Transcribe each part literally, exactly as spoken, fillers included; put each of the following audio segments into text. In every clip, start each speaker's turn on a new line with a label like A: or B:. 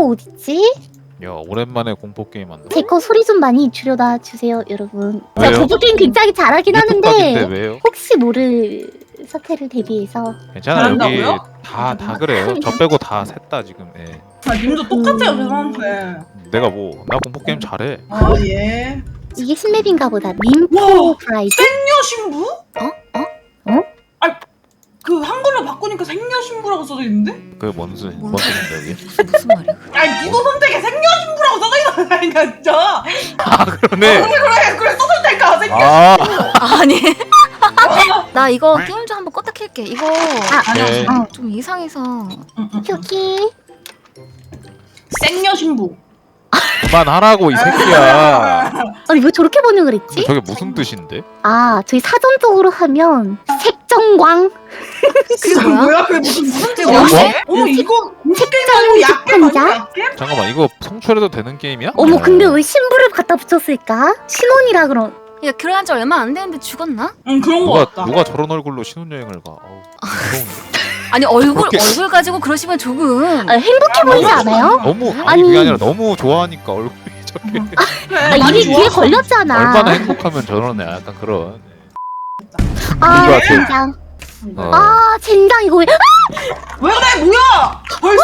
A: 어딨지?
B: 야 오랜만에 공포 게임 한다.
A: 제 거 소리 좀 많이 줄여다 주세요 여러분.
B: 왜요?
A: 제가 공포 게임 굉장히 잘하긴 하는데
B: 왜요?
A: 혹시 모를 사태를 대비해서.
B: 괜찮아 여기
C: 잘한다고요?
B: 다 다 그래요. 저 빼고 다 셋 다 지금. 예.
C: 아, 님도 똑같아요, 죄송한데.
B: 내가 뭐 나 공포 게임 잘해.
C: 아, 예.
A: 이게 신맵인가 보다. 림포
C: 와.
A: 브라이드?
C: 생녀신부?
A: 어? 어? 어?
C: 아니, 그 한글로 바꾸니까 생녀신부라고 써져 있는데?
B: 그게 뭔 소, 뭔 소린데 여기?
D: 무슨 말이야?
C: 아니, 니도 선택에 생녀신부라고 써져 있다니까, 진짜.
B: 아 그러네.
C: 그래, 그래, 그래, 써져 있다니까, 생녀.
B: 아
D: 아니 나 이거 게임 좀 한번 껐다 킬게. 이거
A: 아,
B: 네.
A: 어.
D: 좀 이상해서.
A: 여기.
C: 생녀신부.
B: 그만하라고 이 새끼야.
A: 아니 왜 저렇게 번역을 했지?
B: 저게 무슨 뜻인데?
A: 아 저희 사전적으로 하면 색정광.
D: 그게 뭐야?
C: 그게 무슨, 무슨
D: 그게
C: 뜻이야?
D: 뭐지?
C: 어머, 이거 공식 게임 아니고 약게
A: 특판자?
C: 맞아, 약게?
B: 잠깐만 이거 성출해도 되는 게임이야?
A: 어머
B: 어.
A: 근데 왜 신부를 갖다 붙였을까? 신혼이라 그런.
D: 야 결혼한 지 얼마 안 됐는데 죽었나?
C: 응, 그런 거
B: 누가
C: 같다.
B: 누가 저런 얼굴로 신혼여행을 가? 어우, 무서운데.
D: 아니 얼굴
B: 그렇게-
D: 얼굴 가지고 그러시면 조금.
A: 아, 행복해 보이지 않아요?
B: 너무 아니,
A: 아니.
B: 그게 아니라 너무 좋아하니까 얼굴이 저렇게
C: 그래,
A: 아,
C: 많이
A: 입이 귀에
C: 좋아서.
A: 걸렸잖아.
B: 얼마나 행복하면 저러네. 약간 그런.
A: 아
B: 이거
A: 젠장.
B: 어.
A: 아 젠장 이거 왜?
C: 왜 그래, 뭐야? 벌써?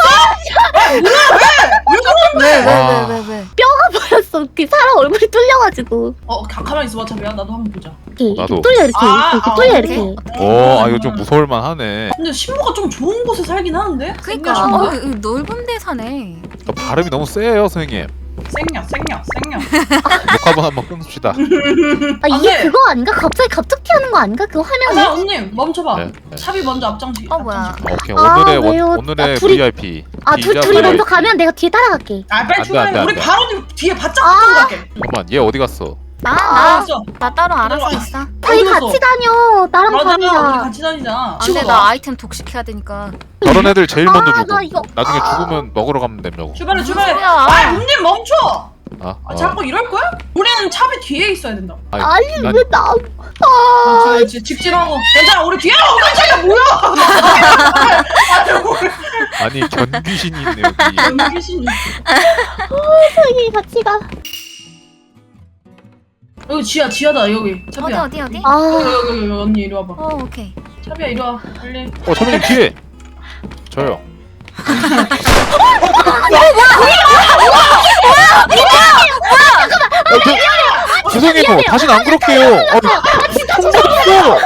D: 왜 왜
B: 와.
D: 왜 왜 왜?
A: 보였어. 그 사람 얼굴이 뚫려가지고.
C: 어, 가, 가만히 있어봐, 자비야. 나도 한번 보자.
A: 이렇게, 이렇게
B: 나도.
A: 뚫려 이렇게
C: 아,
A: 이렇게, 이렇게
C: 아,
A: 뚫려
D: 오케이.
A: 이렇게.
B: 오, 아 이거 좀 무서울만 하네.
C: 근데 신부가 좀 좋은 곳에 살긴 하는데?
D: 그러니까
C: 생녀신부?
D: 어, 이- 이 넓은 데 사네.
B: 어, 발음이 너무 세요, 선생님.
C: 생녀, 생녀, 생녀.
B: 녹화본 한번 끊읍시다.
A: 아
C: 안
A: 이게
C: 돼.
A: 그거 아닌가? 갑자기 갑툭튀 하는 거 아닌가? 그거
C: 아,
A: 화면에.
C: 자, 언니, 멈춰봐.
B: 네, 네.
C: 샵이 먼저 앞장지.
D: 어, 뭐야.
C: 앞장지.
B: 오케이
A: 아,
B: 오늘의
A: 왜요?
B: 원, 오늘의
A: 아, 둘이-
B: 브이아이피.
A: 아 둘,
B: 기자
A: 둘이 먼저
B: 브이아이피.
A: 가면 내가 뒤에 따라갈게.
C: 아, 빨리
B: 안 돼,
C: 출발해.
B: 안 돼, 안
C: 우리
B: 돼.
C: 바로 뒤에 바짝
A: 아.
C: 붙고 갈게.
B: 잠깐만 얘 어디 갔어?
D: 나
C: 아,
D: 나
C: 알았어.
D: 나 따로 알아서 있어.
A: 저희
C: 어디 갔어?
A: 같이 다녀. 나랑
C: 맞아, 우리
A: 다니자.
C: 같이 다니자.
D: 안돼 나 아이템 독식해야 되니까.
B: 저런 애들 제일 먼저
A: 아,
B: 죽어.
A: 나 이거-
B: 나중에 죽으면 먹으러 가면 된다고.
C: 출발해,
D: 무슨
C: 출발해.
D: 소리야?
C: 아, 언니 멈춰.
B: 아,
C: 아,
B: 어.
C: 자꾸 이럴 거야? 우리는 샵이 뒤에 있어야 된다.
B: 아니,
A: 아니
B: 난-
A: 왜 나?
C: 아,
A: 아
C: 저, 저, 직진하고. 괜찮아, 우리 뒤에. 어, 깜짝이야, 뭐야?
B: 아니 견귀신이 있네 여기.
C: 너무 귀신이.
A: 저기 같이 가.
C: 여기 지하, 지하다, 여기.
D: 어디
C: 차비야.
D: 어디 어디?
C: 여기,
A: 아
C: 여기, 여기, 여기, 언니 이리 와봐.
D: 어 오케이.
C: 차비야, 이리 와. 빨리.
B: 어 선배님 뒤에. 저요. 어, 저- 죄송해요. 다시는 안 그럴게요. 아, 통과했어.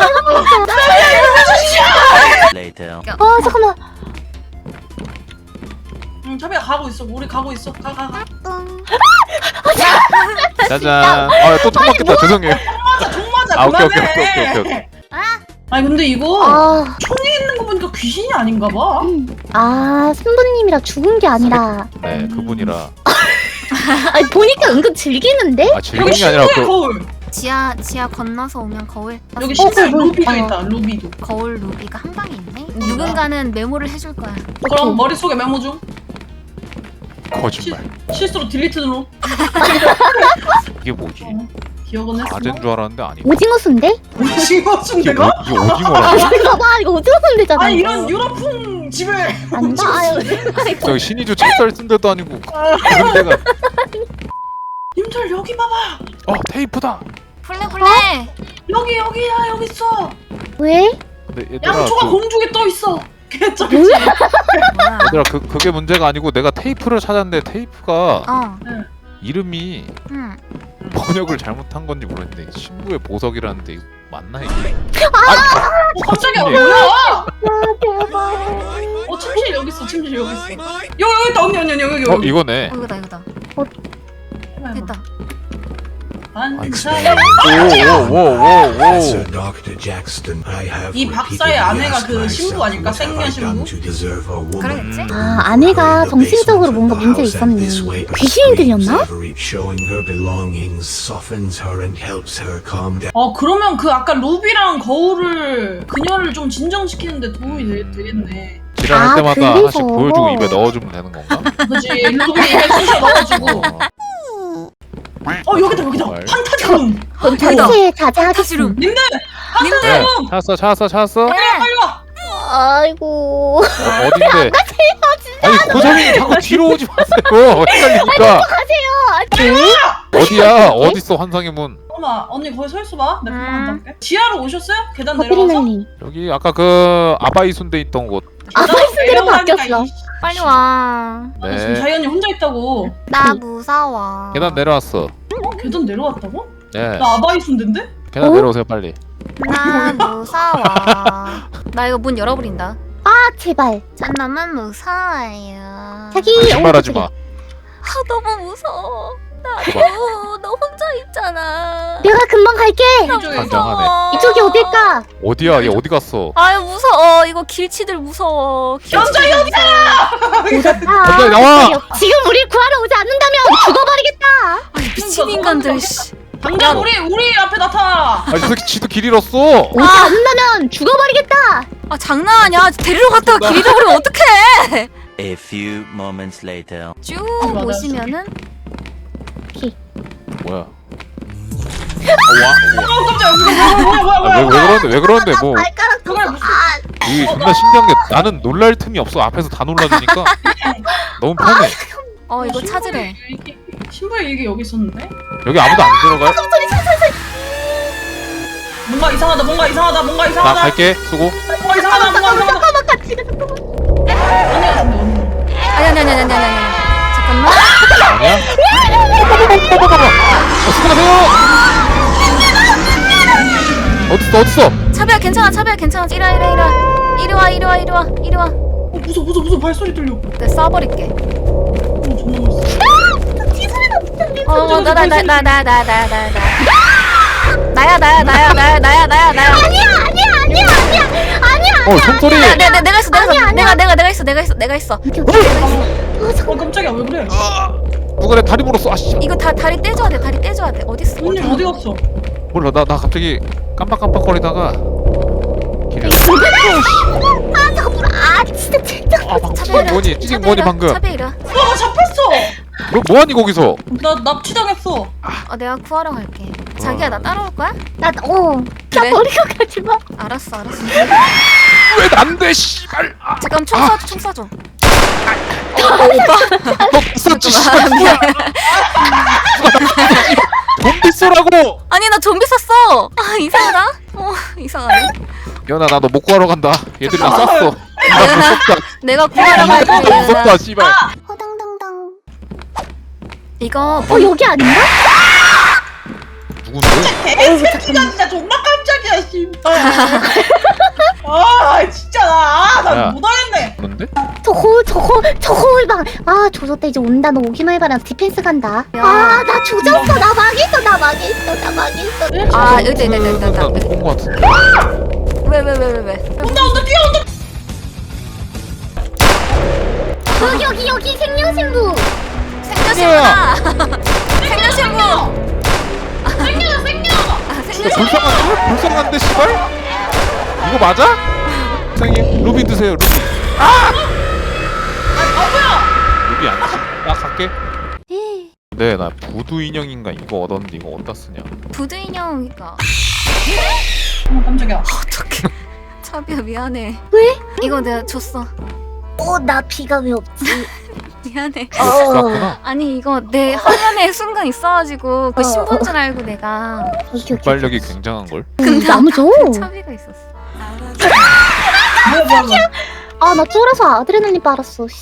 A: 아 잠깐만.
C: 응, 차비야 가고 있어. 우리 가고 있어. 가, 가, 가.
B: 짜잔. 아또 통과했다. 죄송해요.
C: 맞아, 종 맞아.
B: 아, 오케이,
C: 그만해.
B: 오케이, 오케이, 오케이, 오케이.
C: 아니 근데 이거
A: 아,
C: 총이 있는 거 보니까 귀신이 아닌가 봐.
A: 음. 아 신부님이라 죽은 게 아니라.
B: 네 그분이라.
A: 아니 보니까 은근 즐기는데?
B: 아
C: 여기
B: 즐기는 게 아니라
C: 신부의
B: 그
C: 거울.
D: 지하 지하 건너서 오면 거울.
C: 여기
A: 어,
C: 신부의
A: 거울.
C: 루비가
A: 어.
C: 있다. 루비도.
D: 거울 루비가 한 방에 있네. 누군가는 메모를 해줄 거야.
C: 그럼 머릿속에 메모 중.
B: 거짓말.
C: 실수로 딜리트 눌러.
B: 이게 뭐지?
C: 기억은 했어.
B: 아재인 줄 알았는데 아니고.
A: 오징어 순대?
C: 오징어 순
B: 이게,
C: 대가?
B: 뭐, 이게 오징어라고?
A: 이거 봐 이거 오징어 순대잖아.
C: 아니
A: 이거.
C: 이런 유럽풍 집에
A: 아닌가? 아유.
B: 저기 신이주 찹쌀 쓴 데도 아니고 그런 데가.
C: 님들 여기 봐봐.
B: 어 테이프다.
D: 플레 플레.
C: 여기 여기야 여기 있어.
A: 왜?
B: 근데 얘들아
C: 양초가
B: 그,
C: 공중에 떠 있어. 개쩔지.
D: 뭐야?
B: 얘들아 그 그게 문제가 아니고 내가 테이프를 찾았는데 테이프가
D: 어.
B: 이름이
D: 응.
B: 번역을 잘못한 건지 모르겠는데 신부의 보석이라는데 이거 맞나 이게?
C: 어, 깜짝이야
B: 네.
C: 뭐야?
A: 아 대박.
C: 어 침실 여기 있어. 침실 여기 있어. 여기 여기 있다 언니 언니 언니 여기
B: 어
C: 여기.
B: 이거네.
D: 어 이거다 이거다. 됐다.
C: 반사.
B: 오오오오오.
C: 이 박사의 아내가 그 신부 아닐까? 생녀 신부?
D: 그러겠지?
A: 아 아내가 정신적으로 뭔가 문제 있었네. 귀신이 들렸나?
C: 어 그러면 그 아까 루비랑 거울을 그녀를 좀 진정시키는데 도움이 되, 되겠네.
B: 지랄할
A: 아,
B: 때마다
A: 그래서?
B: 하나씩 보여주고 입에 넣어주면 되는 건가?
C: 그치 루비 입에 쑤셔 넣어주고. 어 여기다 여기다.
B: 헐.
C: 판타지룸.
A: 그럼
D: 여기다.
A: 전체 자제하겠습니다.
C: 님들
B: 네,
C: 판타지룸.
B: 찾았어 찾았어 찾았어. 어,
C: 빨리 와.
A: 아이고.
B: 어딘데? 아니 고정이 자꾸 뒤로 오지 마세요. 헷갈리니까. 어디야? 어딨어 환상의 문?
C: 잠깐만 언니 거기 서 있어봐. 내가 금방
D: 음.
C: 앉아볼게. 지하로 오셨어요? 계단 내려가서?
A: 버피리날리.
B: 여기 아까 그 아바이 순대 있던 곳.
A: 아바이 순대로
C: 내려가니까
A: 바뀌었어.
C: 이-
D: 빨리 와.
C: 아, 지금
B: 네.
C: 자이 언니 혼자 있다고.
D: 나 무서워.
B: 계단 내려왔어.
C: 어? 계단 내려왔다고?
B: 네.
C: 나 아바이 순대인데?
B: 계단
A: 어?
B: 내려오세요 빨리.
D: 나 무서워. 나 이거 문 열어버린다.
A: 아 제발.
D: 전 너무 무서워요.
A: 자기
B: 거짓말하지 마.
D: 아 너무 무서워.
B: 봐봐.
D: 나도 너 혼자 있잖아.
A: 내가 금방 갈게.
C: 이쪽에
B: 반장하네.
A: 이쪽이 어딜까?
B: 어디야? 얘 어디 갔어?
D: 아유 무서워. 이거 길치들 무서워.
C: 연장이
A: 오졌다.
B: 갑자기 나와!
A: 지금 우리 구하러 오지 않는다면 죽어버리겠다.
D: 아니 미친 인간들. 씨.
C: 당장 우리 우리 앞에 나타나.
B: 아이 저 새끼 지도 길 잃었어.
A: 오지 않는다면 죽어버리겠다.
D: 아 장난하냐? 데리러 갔다가 길 잃어버리면 어떡해?
E: A few moments later.
D: 쭉
C: 맞아.
D: 보시면은
B: 뭐야? 아, 와,
C: 어 깜짝이야. 뭐야 뭐야
B: 와.
C: 뭐야
B: 아, 왜, 왜
C: 뭐야.
B: 그러는데 왜 그러는데 뭐
A: 발가락
C: 그걸 무슨
B: 이게 존나 신기한 게 나는 놀랄 틈이 없어. 앞에서 다 놀라주니까 너무 편해.
D: 어 이거 찾으래.
C: 신부의 얘기 여기 있었는데?
B: 여기 아무도 안 들어가요?
C: 뭔가 이상하다. 뭔가 이상하다. 뭔가
B: 나
C: 이상하다.
B: 갈게. 수고.
C: 뭔가 이상하다. 뭔가 이상하다.
A: 잠깐만 같이 가 잠깐만.
C: 언니 같은데 언니.
D: 아니 아니 아니 아니 아니 아니. 잠깐만.
B: 아니야? 어, 수고하세요. 어딨어 어딨어?
D: 차비야 괜찮아 차비야 괜찮아. 이리 와 이리 와 이리 와 이리 와 이리 와 이리 와.
C: 어 무서워 무서워 무서워 발소리 들려.
D: 내가 쏴버릴게.
C: 어 존나 멋있어.
D: 어 나 나 나 나 나 나 나 나 나. 나야 나야 나야 나야 나야 나야 나야.
A: 아니야 아니야 아니야 아니야 아니야.
B: 어 총소리.
D: 내가 내가 내가 있어 내가 있어
A: 아니야, 아니야.
D: 내가 내가 내가 있어 내가 있어 내가 있어.
A: 오케이 오케이. 아 잠깐.
C: 어 깜짝이야 왜 그래?
B: 누가 내 다리 물었어. 아씨.
D: 이거 다 다리 떼줘야 돼 다리 떼줘야 돼. 어디 있어?
C: 언니 어디 갔어?
B: 몰라 나 나 갑자기 깜빡깜빡거리다가 길이.
A: 아 잠깐 불. 아 진짜 진짜.
B: 아 방금 찌직 뭐니? 찌직 뭐니 방금?
D: 차비 이리 와.
C: 와 잡혔어.
B: 너 뭐하니 거기서?
C: 나 납치당했어.
D: 어 내가 구하러 갈게. 자기야 나 따라올 거야?
A: 나 어. 나
D: 그래?
A: 버리고 가지 마.
D: 알았어 알았어.
B: 왜 난데 씨발. 아,
D: 잠깐 총 쏴줘 총 쏴줘.
B: 너 있었지 씨발.
D: 미안.
B: 좀비 쏘라고.
D: 아니 나 좀비 쐈어. 아 이상하다. 어 이상하네.
B: 연아 나 너 못 구하러 간다. 얘들이 나 쐈어. 나 무섭다.
D: 내가 구하러
B: 나
D: 갈게.
B: 무섭다 씨발.
A: 허당당당.
D: 이거
A: 어 여기 아닌가?
B: 누군데?
C: 개새끼가 진짜 존나 깜짝이야 씨발. 아 진짜
B: 야.
C: 나나 못하겠네.
B: 누군데?
A: 저거 저거 저거 막. 아 조졌다 이제 온다. 너 오기만 해봐라. 디펜스 간다.
D: 야.
A: 아 나 조졌어. 나 망했어. 나 망했어. 나 망했어.
D: 아 여기 있다 있다 있다 있다.
B: 나못본거 같은데.
D: 왜왜 왜 왜 왜?
C: 온다 온다 뛰어온다.
A: 여기 여기 여기 생명신부.
D: 생녀신부다. 생녀신부.
C: 생겨 생겨.
D: 아,
B: 진짜
D: 생녀신부.
B: 불쌍한데? 불쌍한데 씨발? 이거 맞아? 선생님 루비 드세요 루비.
C: 아 뭐야?
B: 루비 아니지. 나 갈게. 네, 나 부두 인형인가 이거 얻었는데 이거 어디다 쓰냐?
D: 부두 인형이니까.
C: 어 깜짝이야.
D: 어떡해. 차비야 미안해.
A: 왜?
D: 이거 내가 줬어.
A: 어나 피가 왜 없지?
D: 미안해.
B: 이거 쌌구나.
D: 아니 이거 내 화면에 순간 있어가지고 그 신부인 줄 알고 내가
A: 오케이 오케이.
B: 발력이 굉장한 걸.
A: 근데 나무 줘.
D: 차비가 있었어.
C: 뭐야 뭐야 뭐야.
A: 아나 쫄아서 아드레날린 빨았어. 씨.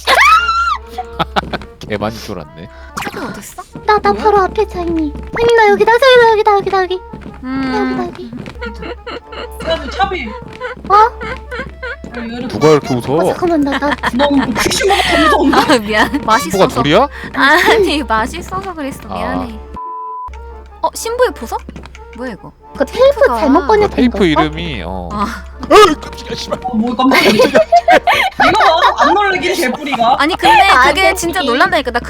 B: 개 많이 쫄았네.
D: 차비 어디 있어?
A: 나, 나 바로 앞에 자이님. 아니 나 여기다 여기다 여기다 여기다 여기 여기다
D: 음.
A: 여기.
C: 야너 차비.
A: 어?
C: 야, 얘를
B: 누가 이렇게
A: 어
B: 웃어?
A: 잠깐만 나 나.
C: 너무 귀신보다 더 무서운데?
D: 아 미안.
B: 친구가
D: 맛있어서.
B: 둘이야?
D: 아니 맛있어서 그랬어.
B: 아.
D: 미안해. 어 신부의 보석? 뭐야 이거?
A: 그 테이프
D: 테이프가-
A: 잘못 번역된
B: 테이프
A: 거.
B: 이름이 어.
D: 아
B: 어이 깜짝이야 씨발.
C: 어, 뭐 깜짝이야. 이거 봐. 안 놀래긴 개뿌리가.
D: 아니 근데
A: 아,
D: 그게
A: 네.
D: 진짜 놀란다니까. 나 그거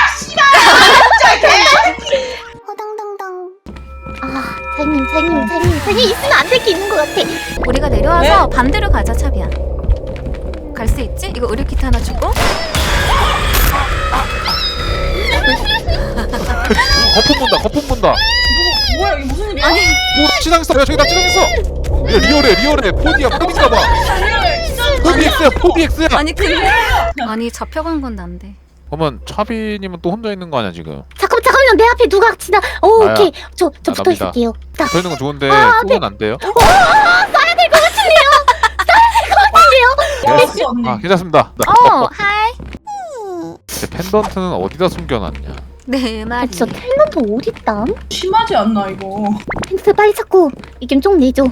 A: 허당당당. 아 자이님 자이님 자이님 자이님 있으면 안 될 게 있는 것 같아.
D: 우리가 내려와서 반대로 가자 차비야. 갈 수 있지? 이거 의료키트 하나 주고.
B: 거품 본다 거품 본다.
C: 뭐, 뭐야 이게 무슨 일이야?
D: 아니
B: 뭐 지나갔어. 야 저기 나 지나갔어. 야 리얼해 리얼해. 포디야 포디인가 봐.
C: 리얼해 진짜.
B: 포비엑스야 포비엑스야.
D: 아니 근데 아니 잡혀간 건 난데.
B: 그러면 차비님은 또 혼자 있는 거 아니야 지금?
A: 잠깐만 잠깐만요. 내 앞에 누가 지나. 오
B: 나야.
A: 오케이. 저 저
B: 나
A: 붙어
B: 납니다.
A: 있을게요. 자.
B: 붙어 있는 건 좋은데
A: 아,
B: 쏘면 안 돼요?
C: 알았어 언니.
B: 아 괜찮습니다. 나-
D: 어 하이.
B: 제 펜던트는 어디다 숨겨놨냐?
D: 네
A: 아,
D: 말이.
A: 진짜 탤런트 어딨담?
C: 심하지 않나 이거?
A: 펜스 빨리 찾고 이겜 좀 내줘.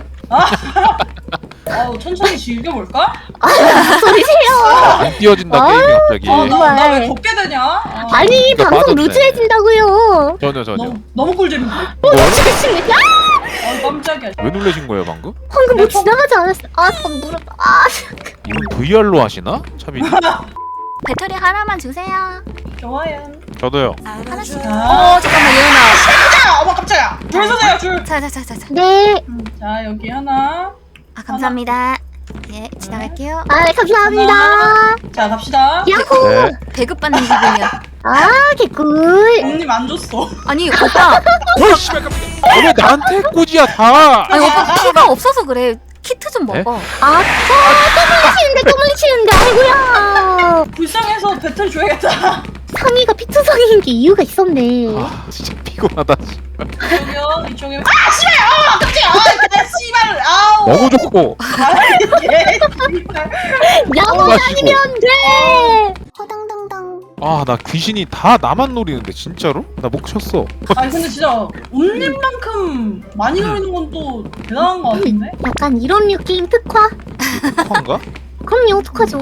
C: 아우 천천히 즐겨볼까?
A: 소리세요.
B: 안 띄워진다
A: 아,
B: 게임이 갑자기.
C: 아, 나, 나 왜
A: 정말.
C: 걷게 되냐? 아,
A: 아니
B: 이거
A: 방송
B: 빠졌네.
A: 루즈해진다고요.
B: 전혀 전혀.
C: 너무 너무 꿀잼인데.
B: 뭘?
A: 지금 야
C: 아 깜짝이야.
B: 왜 놀라신 거예요 방금?
A: 방금 뭐
C: 내 폰-
A: 지나가지 않았어? 아 잠깐 무릎. 아
B: 이분 브이알로 하시나? 차비.
D: 배터리 하나만 주세요.
C: 좋아요.
B: 저도요.
D: 하나씩.
C: 자,
D: 어 잠깐만 예은아.
C: 아, 어머 깜짝이야. 줄 서세요 줄.
D: 자자자자자.
A: 네.
C: 자 여기 하나.
D: 아 감사합니다. 예 지나갈게요.
A: 아 감사합니다.
C: 자 갑시다.
A: 야호.
B: 네.
D: 배급받는 기분이야.
A: 아 개꿀.
C: 언님 안 줬어.
D: 아니 오빠.
B: 뭘 씨발 깜짝이야. 아, 왜 나한테 꼬지야 다.
D: 아니 오빠 키가 없어서 그래. 키트 좀
B: 네?
D: 먹어.
A: 아, 또 뭉치는데 또 뭉치는데 아이고야.
C: 불쌍해서 배틀 줘야겠다.
A: 상의가 피투성이인 게 이유가 있었네.
B: 아 진짜 피곤하다. 씨발.
C: 이쪽이요 이쪽이요. 아 씨발. 아 깜짝이야. 아 그래 씨발. 아우.
B: 너무 좋고.
C: 아, 예, 씨발.
A: 야구
B: 마시고.
A: 다니면 돼. 허당당당.
B: 아 나 귀신이 다 나만 노리는데 진짜로? 나 목 쳤어.
C: 아니 근데 진짜 온님만큼 많이 노리는 건 또 대단한 거 같은데?
A: 약간 이런 류 게임 특화?
B: 특화인가?
A: 그럼요 특화죠.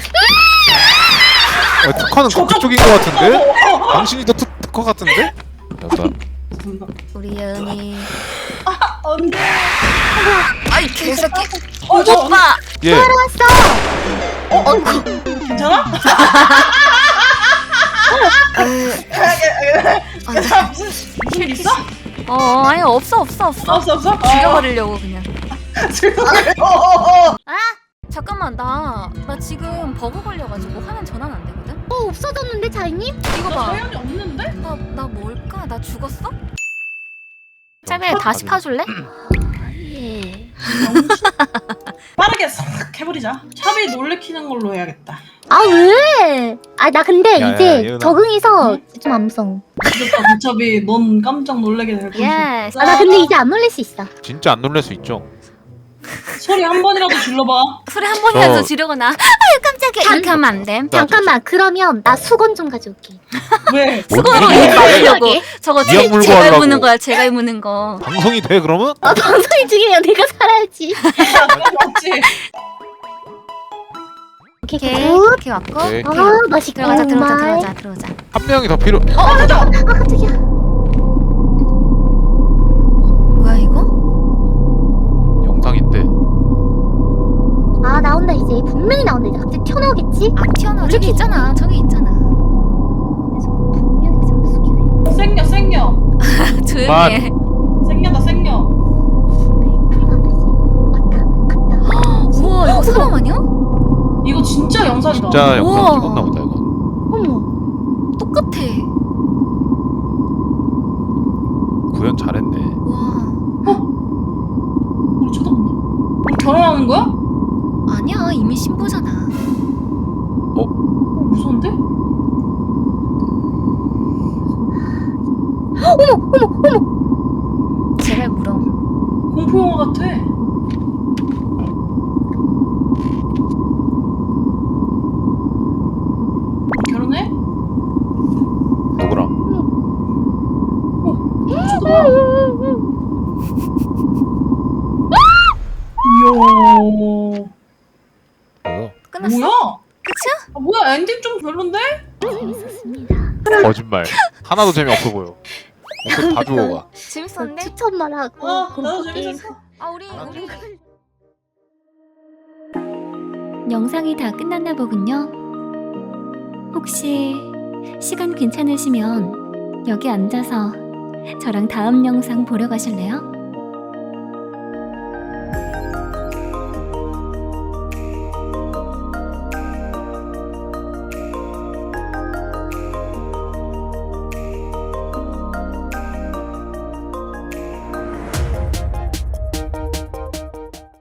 B: 아, 특화는 그- 그쪽인 것 같은데? 당신이 더 특, 특화 같은데? 여자.
D: 우리 예은이.
C: 언니.
D: 아이 개새끼.
C: 어, 저 언니.
D: 오빠.
B: 예.
A: 왔어.
C: 어, 언니. 괜찮아?
D: 아,
C: 자, 무슨 무슨 일 있어?
D: 어, 어 아니 없어 없어 없어.
C: 없어 없어?
D: 죽여버리려고 그냥.
C: 어.
D: 아 잠깐만 나 나 지금 버그 걸려가지고 화면 전환 안 되거든.
A: 어 없어졌는데 자이님?
D: 이거
C: 나
D: 봐.
C: 사연이 없는데?
D: 나 나 뭘까? 나 죽었어? 차비에 다시 파줄래?
A: 예.
C: 빠르게 싹 해버리자. 차비 놀래키는 걸로 해야겠다.
A: 아 왜? 아 나 근데
B: 야, 야,
A: 이제
B: 예은아.
A: 적응해서 좀 안 무서워.
C: 늦었다 무차비. 넌 깜짝 놀라게 될 거야.
D: 예스.
A: 아 나 근데 이제 안 놀랄 수 있어.
B: 진짜 안 놀랄 수 있죠?
C: 소리 한 번이라도 질러봐.
D: 소리 한 번이라도
B: 저-
D: 지르거나. 아유 깜짝이야. 이렇게 하면 안 돼.
A: 잠깐만 그러면 나 수건 좀 가져올게.
C: 왜?
D: 수건으로
B: 뭔
D: 입
B: 얘기야?
D: 막으려고. 저거
B: 미역
D: 제,
B: 물고
D: 제가
B: 하려고.
D: 무는 거야. 제가 무는 거.
B: 방송이 돼 그러면?
A: 아 방송이 중요해요. 내가 살아야지.
C: 맞지?
A: 오케이
D: 오케이.
A: 굿.
D: 오케이 왔고.
B: 오케이.
A: 아 맛있고
D: 들어가자 들어가자
A: 정말.
D: 들어가자 들어가자.
B: 한 명이 더 필요.
C: 어 가자.
A: 아 깜짝이야.
D: 뭐야 이거?
B: 영상인데.
A: 아 나온다 이제 분명히 나온다 이제 갑자기 튀어나오겠지?
D: 안 튀어나와. 저기 있잖아. 저기 있잖아.
A: 그래서 분명히 자꾸 숙이네.
C: 생녀 생녀.
D: 조용히 해.
C: 생녀다 생녀.
A: 큰일 났다 이제. 왔다 갔다.
D: 우와 이거 사람 아니야?
C: 이거 진짜 영상이다.
B: 진짜 영상
D: 우와.
B: 찍었나 보다 이거.
A: 어머.
D: 똑같아.
B: 구현 잘했네.
D: 와.
C: 우리 쳐다본다. 우리 결혼하는 거야?
D: 아니야 이미 신부잖아.
C: 어, 무서운데?
A: 어머 어머 어머.
D: 제발 물어.
C: 공포 영화 같아. 결혼해?
B: 누구랑?
C: 쳐다봐. 이야.
B: 뭐?
D: 끝났어?
C: 뭐야?
D: 끝이야?
C: 아, 뭐야 엔딩 좀 별론데?
A: 재밌었습니다.
B: 거짓말. 하나도 재미없어 보여. 목소리 다 주워가.
D: 재밌었는데?
A: 추천만 하고
C: 아 나도
A: 공포 게임.
C: 재밌었어.
D: 아 우리 우리
F: 영상이 다 끝났나 보군요. 혹시 시간 괜찮으시면 여기 앉아서 저랑 다음 영상 보러 가실래요?